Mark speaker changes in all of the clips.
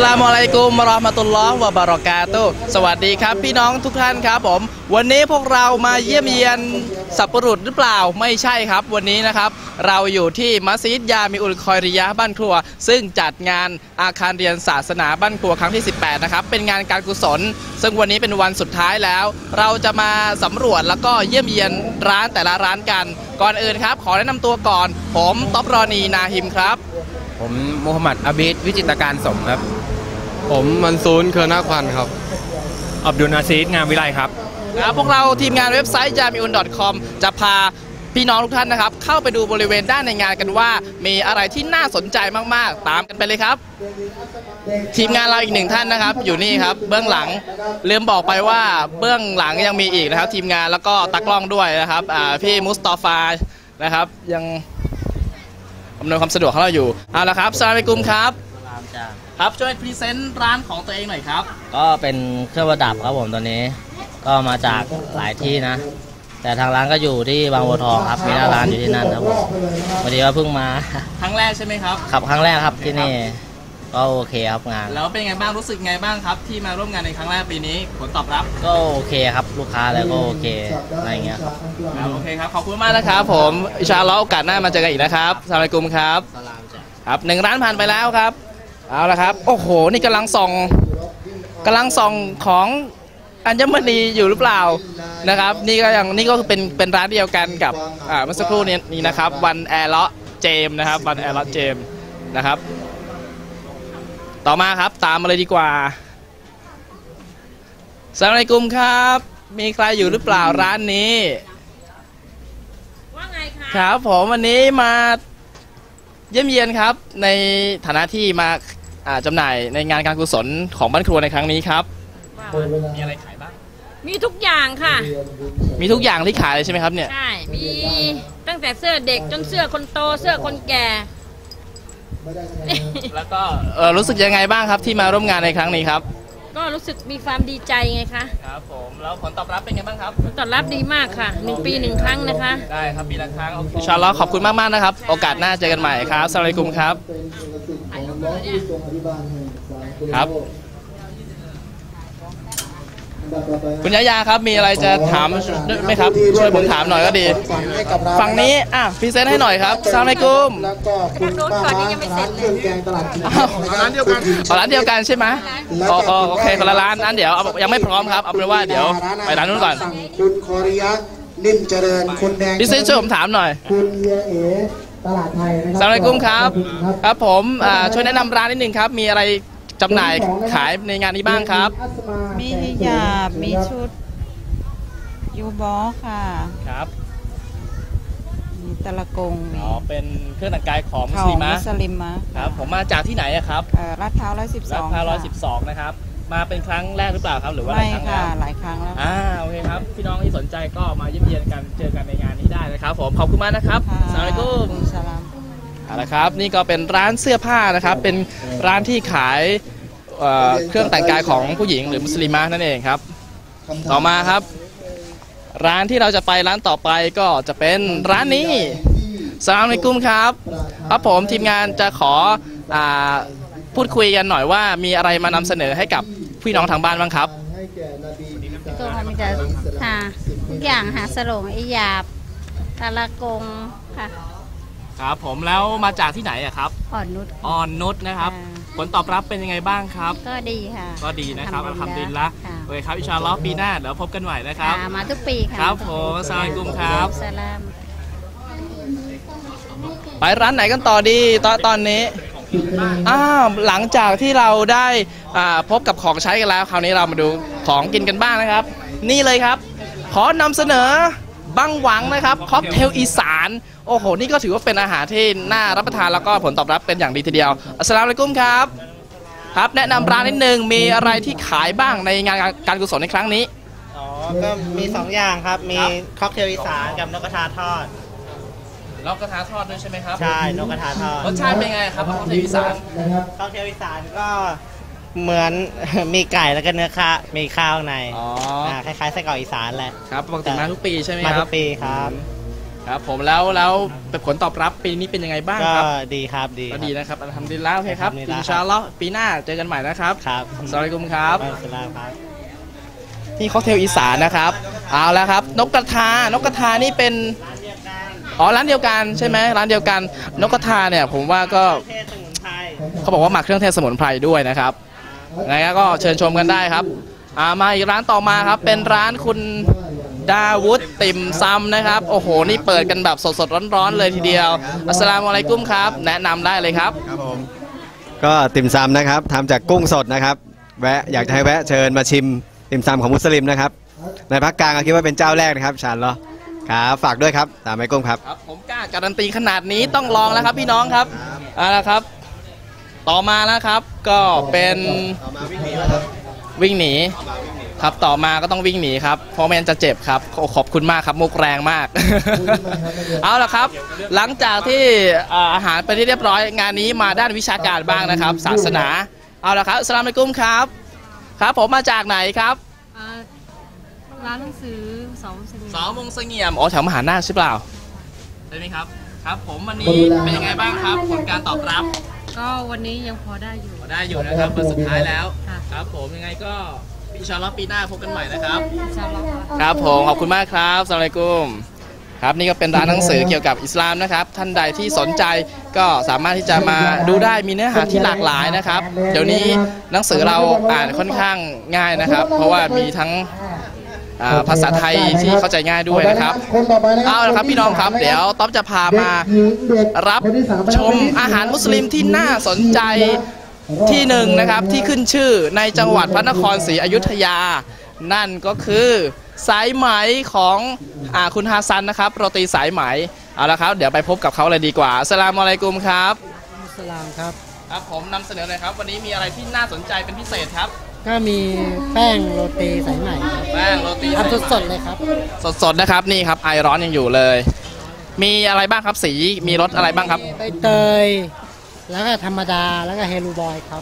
Speaker 1: ลามุอะลัยกุมวะเราะห์มะตุลลอฮ์วะบะเราะกาตุฮ์สวัสดีครับพี่น้องทุกท่านครับผมวันนี้พวกเรามาเยี่ยมเยียนสัปปะรุษหรือเปล่าไม่ใช่ครับวันนี้นะครับเราอยู่ที่มัสยิดยามิอุลคอยริยะห์บ้านครัวซึ่งจัดงานอาคารเรียนศาสนาบ้านครัวครั้งที่18นะครับเป็นงานการกุศลซึ่งวันนี้เป็นวันสุดท้ายแล้วเราจะมาสำรวจแล้วก็เยี่ยมเยียนร้านแต่ละร้านกันก่อนอื่นครับขอแนะนำตัวก่อนผมต๊อบรอนีนาฮิมครับ
Speaker 2: ผมมูฮัมหมัดอาบิดวิจิตรการสมครับ
Speaker 3: ผมมันซูนเคอร์นาควันครับ
Speaker 2: อับดุลนาซีดงามวิไลครับ
Speaker 1: พวกเราทีมงานเว็บไซต์ jamiun.com จะพาพี่น้องทุกท่านนะครับเข้าไปดูบริเวณด้านในงานกันว่ามีอะไรที่น่าสนใจมากๆตามกันไปเลยครับทีมงานเราอีกหนึ่งท่านนะครับอยู่นี่ครับเบื้องหลังลืมบอกไปว่าเบื้องหลังยังมีอีกนะครับทีมงานแล้วก็ตากล้องด้วยนะครับพี่มุสตอฟานะครับยังอำนวยความสะดวกให้เราอยู่เอาละครับสลามอะลัยกุมครับครับช่วยพรีเซนต์ร้านของตัวเองหน่อยครับ
Speaker 4: ก็เป็นเครื่องประดับครับผมตอนนี้ก็มาจากหลายที่นะแต่ทางร้านก็อยู่ที่บางบัวทองครับมีหน้าร้านอยู่ที่นั่นครับผมพอดีว่าเพิ่งมา
Speaker 1: ครั้งแรกใช่ไหมครับ
Speaker 4: ครับครั้งแรกครับที่นี่ก็โอเคครับงาน
Speaker 1: แล้วเป็นไงบ้างรู้สึกไงบ้างครับที่มาร่วมงานในครั้งแรกปีนี้ผลตอบรับ
Speaker 4: ก็โอเคครับลูกค้าแล้วก็โอเคอะไรเงี้ยครับ
Speaker 1: โอเคครับขอบคุณมากนะครับผมอินชาอัลลอฮ์โอกาสหน้ามาเจอกันอีกนะครับอัสสลามุอะลัยกุมครับครับหนึ่งร้านผ่านไปแล้วครับเอาละครับโอ้โหนี่กำลังส่องของอัญมณีอยู่หรือเปล่านะครับนี่ก็คือเป็นร้านเดียวกันกับเมื่อสักครู่นี้นะครับวันแอร์เลาะเจมนะครับวันแอร์เลาะเจมนะครับต่อมาครับตามมาเลยดีกว่าอัสสลามุอะลัยกุมครับมีใครอยู่หรือเปล่าร้านนี้
Speaker 5: ว่าไงคะ
Speaker 1: ครับผมวันนี้มาเยี่ยมเยียนครับในฐานะที่มาจำหน่ายในงานการกุศลของบ้านครัวในครั้งนี้ครับมีอะไรขายบ้าง
Speaker 5: มีทุกอย่างค่ะ
Speaker 1: มีทุกอย่างที่ขายเลยใช่ไหมครับเนี่ย
Speaker 5: ใช่มีตั้งแต่เสื้อเด็กจนเสื้อคนโตเสื้อคนแก่
Speaker 1: แล้วก็รู้สึกยังไงบ้างครับที่มาร่วมงานในครั้งนี้ครับ
Speaker 5: ก็รู้สึกมีความดีใจไงคะ
Speaker 1: ครับผมแล้วผลตอบรับเป็นไงบ้างครับ
Speaker 5: ผลตอบรับดีมากค่ะ1 ปี 1 ครั้งนะคะ
Speaker 1: ได้ครับปีละครั้งอินชาอัลลอฮ์ขอบคุณมากๆนะครับโอกาสหน้าเจอกันใหม่ครับอัสสลามุอะลัยกุมครับครับคุณยายาครับมีอะไรจะถามไหมครับช่วยผมถามหน่อยก็ดีฝั่งนี้พรีเซนต์ให้หน่อยครับอัสสลามุอะลัยกุม
Speaker 5: แล้วก็คุณป้าร้านเครื่องแกงตลาด
Speaker 1: ร้านเดียวกันใช่ไหมโอเคคนละร้านนั้นเดี๋ยวยังไม่พร้อมครับเอาเป็นว่าเดี๋ยวไปร้านนู้นก่อน
Speaker 6: คุณคอริยะนิ่มเจริญคุณแดง
Speaker 1: พี่ซีช่วยผมถามหน่อย
Speaker 6: คุณเฮียเอ๋ตลาดไทยนะครับ
Speaker 1: อัสสลามุอะลัยกุมครับครับผมช่วยแนะนำร้านนิดนึงครับมีอะไรจำหน่ายขายในงานนี้บ้างครับ
Speaker 7: มีฮิญาบมีชุดยูบอค่ะ
Speaker 1: ครับ
Speaker 7: มีตะละกง
Speaker 1: เป็นเครื่องแต่งกายของมุสลิมะครับผมมาจากที่ไหนครับ
Speaker 7: ลาดพร้าว
Speaker 1: 112นะครับมาเป็นครั้งแรกหรือเปล่าครับหรือว่าหลายครั้งแล้ว
Speaker 7: หลายครั้งแล้ว
Speaker 1: โอเคครับพี่น้องที่สนใจก็มาเยี่ยมเยียนกันเจอกันในงานนี้ได้นะครับผมขอบคุณมากนะครับอัสสลามุอะลัยกุมเอาละครับนี่ก็เป็นร้านเสื้อผ้านะครับเป็นร้านที่ขายเครื่องแต่งกายของผู้หญิงหรือมุสลิมะนั่นเองครับต่อมาครับร้านที่เราจะไปร้านต่อไปก็จะเป็นร้านนี้อัสสลามุอะลัยกุมครับครับผมทีมงานจะขอพูดคุยกันหน่อยว่ามีอะไรมานำเสนอให้กับพี่น้องทางบ้านบ้างครับ
Speaker 8: ตัวมันจะทุกอย่างสโลงอิยาบตะละกงค่ะ
Speaker 1: ครับผมแล้วมาจากที่ไหนครับ
Speaker 8: อ่
Speaker 1: อนนุชนะครับผลตอบรับเป็นยังไงบ้างครับ
Speaker 8: ก็ดีค่ะ
Speaker 1: ก็ดีนะครับอัลฮัมดุลิลละห์โอเคครับอินชาอัลลอฮ์ปีหน้าเดี๋ยวพบกันใหม่นะครับ
Speaker 8: มาทุกปีค่ะ
Speaker 1: ครับผมอัสสลามุอะลัยกุมครับไปร้านไหนกันต่อดีตอนนี้หลังจากที่เราได้พบกับของใช้กันแล้วคราวนี้เรามาดูของกินกันบ้างนะครับนี่เลยครับขอนำเสนอบังหวังนะครับค็อกเทลอีสานโอ้โหนี่ก็ถือว่าเป็นอาหารที่น่ารับประทานแล้วก็ผลตอบรับเป็นอย่างดีทีเดียวอัสสลามุอะลัยกุมครับครับแนะนำร้านนิดนึงมีอะไรที่ขายบ้างในงานการกุศลในครั้งนี้
Speaker 4: ก็มี2อย่างครับมีค็อกเทลอีสานกับนกกระทาทอด
Speaker 1: นกกระทาทอดด้วยใช่ไหมครับ
Speaker 4: ใช่นกกระทาทอด
Speaker 1: รสชาติเป็นไงครับค็อกเทลอีสาน
Speaker 4: ค็อกเทลอีสานก็เหมือนมีไก่แล้วก็เนื้อข้ามีข้าวในคล้ายๆไส้กรอกอีสานแหละ
Speaker 1: ครับปกติมาทุกปีใช่ไหมครับ
Speaker 4: มาทุกปีครับ
Speaker 1: ครับผมแล้วผลตอบรับปีนี้เป็นยังไงบ้าง
Speaker 9: ก็
Speaker 1: ครับ
Speaker 9: ดีครับดี
Speaker 1: ก็ดีนะครับอัลฮัมดุลิลละห์โอเคครับ
Speaker 9: อัลฮัมดุลิลละห์
Speaker 1: อินชาอัลลอฮ์ปีหน้าเจอกันใหม่นะครับ
Speaker 9: ครับ
Speaker 1: อัสสลามุอะลัยกุมครับ
Speaker 9: สลามครับ
Speaker 1: นี่ค็อกเทลอีสานนะครับเอาแล้วครับนกกระทานี่เป็นร้านเดียวกันใช่ไหมร้านเดียวกันนกกระทาเนี่ยผมว่าก็เขาบอกว่าหมักเครื่องเทศสมุนไพรด้วยนะครับไงก็เชิญชมกันได้ครับมาอีกร้านต่อมาครับเป็นร้านคุณดาวุฒติ่มซำนะครับโอ้โหนี่เปิดกันแบบสดๆร้อนๆเลยทีเดียวอัสสลามุอะลัยกุมครับแนะนำได้เลยครับ
Speaker 10: ครับผมก็ติ่มซำนะครับทำจากกุ้งสดนะครับอยากจะให้แวะเชิญมาชิมติ่มซำของมุสลิมนะครับในภาคกลางคิดว่าเป็นเจ้าแรกนะครับชาญเหรอครับฝากด้วยครับตามไอ้กุ้งครับ
Speaker 1: ผมกล้าการันตีขนาดนี้ต้องลองแล้วครับพี่น้องครับเอาละครับต่อมาแล้วครับก็เป็นวิ่งหนีครับต่อมาก็ต้องวิ่งหนีครับเพราะไม่งั้นจะเจ็บครับขอบคุณมากครับมุกแรงมาก เอาละครับหลังจากที่อาหารไปที่เรียบร้อยงานนี้มาด้านวิชาการบ้างนะครับศาสนาเอาละครับอัสสลามุอะลัยกุมครับครับผมมาจากไหนครับ
Speaker 5: ร้านหนังสือสอง
Speaker 1: มงเสงี่ยมแถวมหานาคใช่เปล่าใช่ไหมครับครับผมวันนี้เป็นยังไงบ้างครับผลการตอบรับ
Speaker 5: ก็วันนี้ยังพอได้อยู่
Speaker 1: นะครับวันสุดท้ายแล้วครับผมยังไงก็อินชาอัลลอฮ์ปีหน้าพบกันใหม่นะครับครับผมขอบคุณมากครับอัสสลามุอะลัยกุมครับนี่ก็เป็นร้านหนังสือเกี่ยวกับอิสลามนะครับท่านใดที่สนใจก็สามารถที่จะมาดูได้มีเนื้อหาที่หลากหลายนะครับเดี๋ยวนี้หนังสือเราอ่านค่อนข้างง่ายนะครับเพราะว่ามีทั้งภาษาไทยที่เข้าใจง่ายด้วยนะครับเอาละครับพี่น้องครับเดี๋ยวต๊อบจะพามารับชมอาหารมุสลิมที่น่าสนใจที่หนึ่งนะครับที่ขึ้นชื่อในจังหวัดพระนครศรีอยุธยานั่นก็คือสายไหมของคุณฮาซันนะครับโรตีสายไหมเอาละครับเดี๋ยวไปพบกับเขาเลยดีกว่าอัสสลามุอะลัยกุมครับ
Speaker 9: อัสสลามครับ
Speaker 1: ครับผมนำเสนอเลยครับวันนี้มีอะไรที่น่าสนใจเป็นพิเศษครับ
Speaker 9: ก็มีแป้งโรตีสายไหม
Speaker 1: แป้งโรตี
Speaker 9: สดๆเลยครับ
Speaker 1: สดๆนะครับนี่ครับไอร้อนยังอยู่เลยมีอะไรบ้างครับสีมีรสอะไรบ้างครับ
Speaker 9: ใบเตยแล้วก็ธรรมดาแล้วก็เฮลูบอยครับ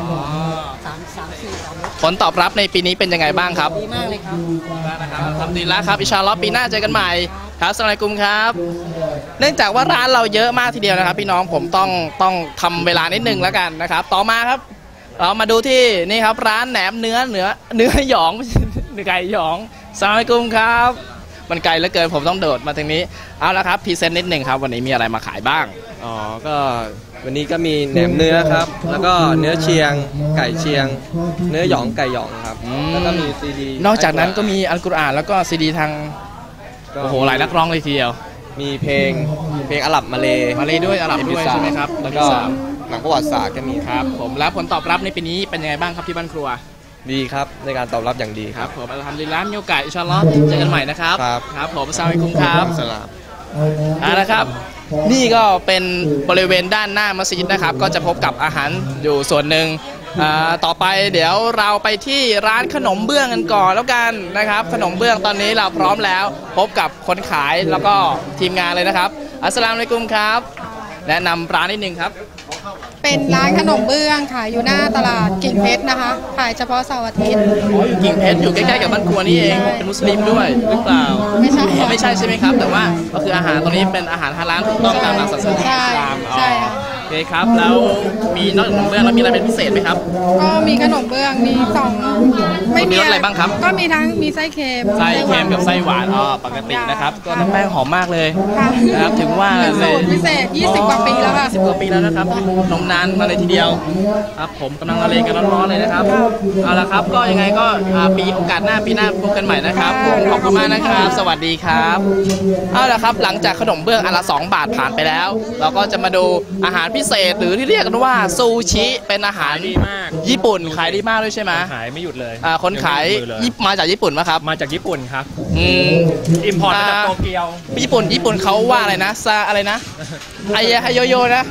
Speaker 1: ผลตอบรับในปีนี้เป็นยังไงบ้างครับ
Speaker 9: ดีมากเลยครับ
Speaker 1: ทำดีแล้วครับอินชาอัลลอฮ์ปีหน้าเจอกันใหม่ครับอัสสลามุอะลัยกุมครับเนื่องจากว่าร้านเราเยอะมากทีเดียวนะครับพี่น้องผมต้องทำเวลานิดนึงแล้วกันนะครับต่อมาครับเรามาดูที่นี่ครับร้านแหนมเนื้อหยองไก่หยองอัสสลามุอะลัยกุมครับมันไกลเหลือเกินผมต้องโดดมาทางนี้เอาละครับพรีเซนต์นิดนึงครับวันนี้มีอะไรมาขายบ้าง
Speaker 3: ก็วันนี้ก็มีแหนมเนื้อครับแล้วก็เนื้อเชียงไก่เชียงเนื้อหยองไก่หยองครับแล้วก็มีซีดี
Speaker 1: นอกจากนั้นก็มีอัลกุรอานแล้วก็ซีดีทางโอ้โหหลายนักร้องเลยทีเดียว
Speaker 3: มีเพลงอาหรับมาเล
Speaker 1: ด้วยอาหรับด้วยใช่ไหมครับ
Speaker 3: แล้วก็หนังประวัติศาสตร์ก็มี
Speaker 1: ครับผมแล้วผลตอบรับในปีนี้เป็นยังไงบ้างครับที่บ้านครัว
Speaker 3: ดีครับในการตอบรับอย่างดีครับ
Speaker 1: ผมอัลฮัมดุลิลละห์มีโอกาสอินชาอัลลอฮ์เจอกันใหม่นะครับครับผมอัสสลามุอะลัยกุมครับ
Speaker 3: สลาม
Speaker 1: นะครับนี่ก็เป็นบริเวณด้านหน้ามัสยิดนะครับก็จะพบกับอาหารอยู่ส่วนหนึ่งต่อไปเดี๋ยวเราไปที่ร้านขนมเบื้องกันก่อนแล้วกันนะครับขนมเบื้องตอนนี้เราพร้อมแล้วพบกับคนขายแล้วก็ทีมงานเลยนะครับอัสสลามุอะลัยกุมครับแนะนำร้านนิดนึงครับ
Speaker 11: เป็นร้านขนมเบื้องค่ะอยู่หน้าตลาดกิ่งเพชรนะคะขายเฉพาะเสาร์อาทิตย์
Speaker 1: อยู่กิ่งเพชรอยู่ใกล้ๆกับบ้านครัวนี่เองเป็นมุสลิมด้วยหรือเปล่า
Speaker 11: ไม่ใช่
Speaker 1: ไม่ใช่ใช่ไหมครับแต่ว่าก็คืออาหารตรงนี้เป็นอาหารฮาลาลถูกต้องตามหลักศาสนาอิสลาม
Speaker 11: ใช่
Speaker 1: โอเคครับแล้วมีนอกจากขนมเบื้องแล้วมีอะไรเป็นพิเศษไหมครับ
Speaker 11: ก็มีขนมเบื้องมี
Speaker 1: ไม่มีอะไรบ้างครับ
Speaker 11: ก็มีทั้งมีไส้เค็ม
Speaker 1: กับไส้หวานปกตินะครับก็น้ำแป้งหอมมากเลยนะครับถึงว่า
Speaker 11: สูตรพิเศษ20กว่าปีแล้วค่ะ
Speaker 1: 20กว่าปีแล้วนะครับนมนานมาเลยทีเดียวครับผมกำลังละเลงกันร้อนๆเลยนะครับเอาละครับก็ยังไงก็ปีโอกาสหน้าปีหน้าพบกันใหม่นะครับผมขอบคุณมากนะครับสวัสดีครับเอาละครับหลังจากขนมเบื้องอันละ2 บาทผ่านไปแล้วเราก็จะมาดูอาหารพิเศษหรือที่เรียกกันว่าซูชิเป็นอาหารญี่ปุ่นขายดีมากด้วยใช่ไหม
Speaker 2: ขายไม่หยุดเลย
Speaker 1: คนขายมาจากญี่ปุ่นไหมครับ
Speaker 2: มาจากญี่ปุ่นครับอิมพอร์ตมาจากโตเกียว
Speaker 1: ญี่ปุ่นเขาว่าอะไรนะซาอะไรนะไฮโยโยนะ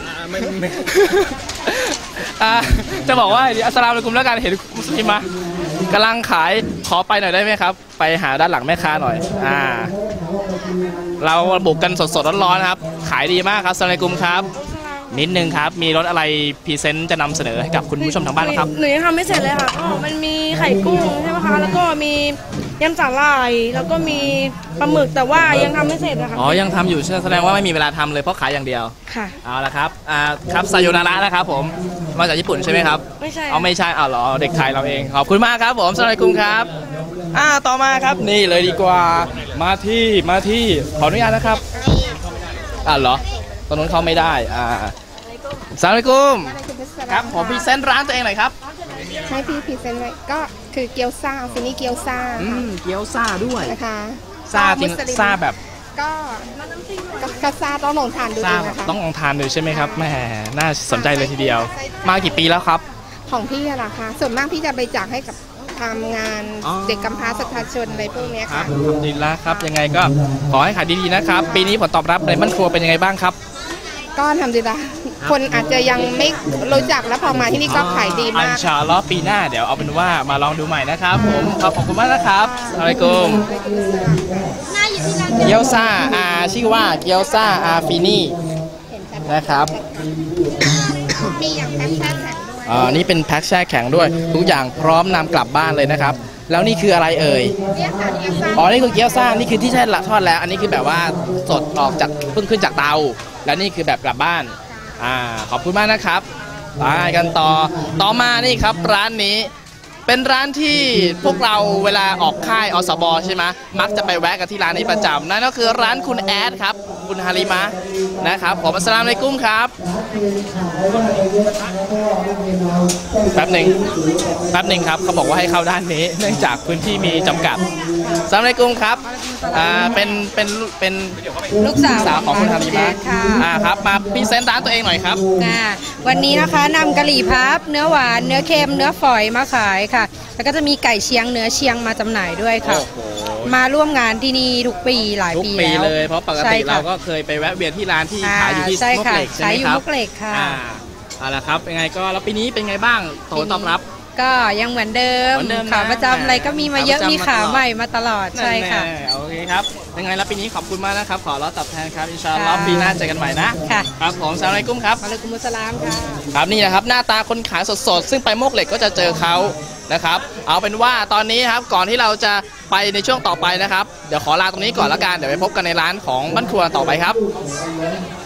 Speaker 1: จะบอกว่าอัสสลามุอะลัยกุมแล้วกันเห็นมุสลิมมากำลังขายขอไปหน่อยได้ไหมครับไปหาด้านหลังแม่ค้าหน่อยเราบุกกันสดๆร้อนๆครับขายดีมากครับอัสสลามุอะลัยกุมครับนิดนึงครับมีรสอะไรพรีเซนต์จะนำเสนอให้กับคุณผู้ชมทางบ้านครับ
Speaker 12: หนูยังทำไม่เสร็จเลยค่ะมันมีไข่กุ้งใช่ไหมคะแล้วก็มียำสาหร่ายแล้วก็มีปลาหมึกแต่ว่ายังทำไม่เสร็จนะคะ
Speaker 1: อ๋อยังทำอยู่แสดงว่าไม่มีเวลาทำเลยเพราะขายอย่างเดียว
Speaker 12: ค่ะ
Speaker 1: เอาละครับครับไซโยนาระนะครับผมมาจากญี่ปุ่นใช่ไหมครับ
Speaker 12: ไม่ใช่
Speaker 1: ไม่ใช่เหรอเด็กไทยเราเองขอบคุณมากครับผมสวัสดีคุณครับต่อมาครับนี่เลยดีกว่ามาที่ขออนุญาตนะครับเหรอตรงนู้นเขาไม่ได้สวัสดีคุณครับผมพรีเซนต์ร้านตัวเองหน่อยครับ
Speaker 11: ให้พี่พรีเซนต์ไว้ก็คือเกี๊ยวซ่าฟินี่เกี๊ยวซ่า
Speaker 1: เกี๊ยวซ่าด้วย
Speaker 11: นะคะ
Speaker 1: ซ่าจริงซ่าแบบ
Speaker 11: ก็ซ่าต้องลองทานดูนะคะ
Speaker 1: ต้องลองทานดูใช่ไหมครับแหมน่าสนใจเลยทีเดียวมากี่ปีแล้วครับ
Speaker 11: ของพี่อะล่ะคะส่วนมากพี่จะไปจากให้กับทำงานเด็กกำพร้าสัทธาชนอะไรพวกนี้ค่ะ
Speaker 1: ทำดีแล้วครับยังไงก็ขอให้ขายดีๆนะครับปีนี้ผลตอบรับในบ้านครัวเป็นยังไงบ้างครับ
Speaker 11: ก็ทำดีละคนอาจจะยังไม่รู้จักแล้วพอมาที่นี่ก็ขายดีมาก
Speaker 1: อินชาอัลลอฮ์ปีหน้าเดี๋ยวเอาเป็นว่ามาลองดูใหม่นะครับผมขอบคุณมากนะครับอะลัยกุมเกี๊ยวซ่าชื่อว่าเกี๊ยวซ่าฟินี่นะครับ
Speaker 11: มีอย่างแพ็คแช่แข็ง
Speaker 1: ด้วยนี่เป็นแพ็คแช่แข็งด้วยทุกอย่างพร้อมนำกลับบ้านเลยนะครับแล้วนี่คืออะไรเอ่ยนี่คือเกี๊ยวซ่านี่คือที่ใช่ทอดแล้วอันนี้คือแบบว่าสดออกจากเพิ่งขึ้นจากเตาแล้วนี่คือแบบกลับบ้านขอบคุณมากนะครับไปกันต่อมานี่ครับร้านนี้เป็นร้านที่พวกเราเวลาออกค่ายอสบใช่ไหมมักจะไปแวะกันที่ร้านนี้ประจำนั่นก็คือร้านคุณแอดครับคุณฮาริมะนะครับผมอัสสลามุอะลัยกุมครับแป๊บหนึ่งครับเขาบอกว่าให้เข้าด้านนี้เนื่องจากพื้นที่มีจำกัดอัสสลามุอะลัยกุมครับเป็น
Speaker 7: ลูกสาว
Speaker 1: ของคุณฮาริมะครับมาพรีเซนต์ร้านตัวเองหน่อยครับ
Speaker 7: วันนี้นะคะนำกะหรี่พับเนื้อหวานเนื้อเค็มเนื้อฝอยมาขายค่ะแล้วก็จะมีไก่เชียงเนื้อเชียงมาจำหน่ายด้วยค่ะมาร่วมงานที่นี่ทุกปีหลายปีแล้ว
Speaker 1: เลยเพราะปกติเราก็เคยไปแวะเวียนที่ร้านที่ขายอยู่ที่มุกเหล็กใช่ไหมครับ
Speaker 7: ขายอยู่มุกเหล็กค่ะ
Speaker 1: เอาละครับยังไงก็แล้วปีนี้เป็นไงบ้างผลตอบรับ
Speaker 7: ก็ยังเหมือนเดิมขาประจำอะไรก็มีมาเยอะมีขาใหม่มาตลอดใช่ค่ะ
Speaker 1: โอเคครับยังไงแล้วปีนี้ขอบคุณมากนะครับขอรับตอบแทนครับอินชาอัลลอฮ์ปีหน้าเจอกันใหม่นะครับผมอัสสลามุอะลัยกุมครับ
Speaker 7: อะลัยกุมุสสลามค่ะ
Speaker 1: ครับนี่นะครับหน้าตาคนขายสดๆซึ่งไปโมกเหล็กก็จะเจอเขานะครับเอาเป็นว่าตอนนี้ครับก่อนที่เราจะไปในช่วงต่อไปนะครับเดี๋ยวขอลาตรงนี้ก่อนละกันเดี๋ยวไปพบกันในร้านของบ้านครัวต่อไปครับ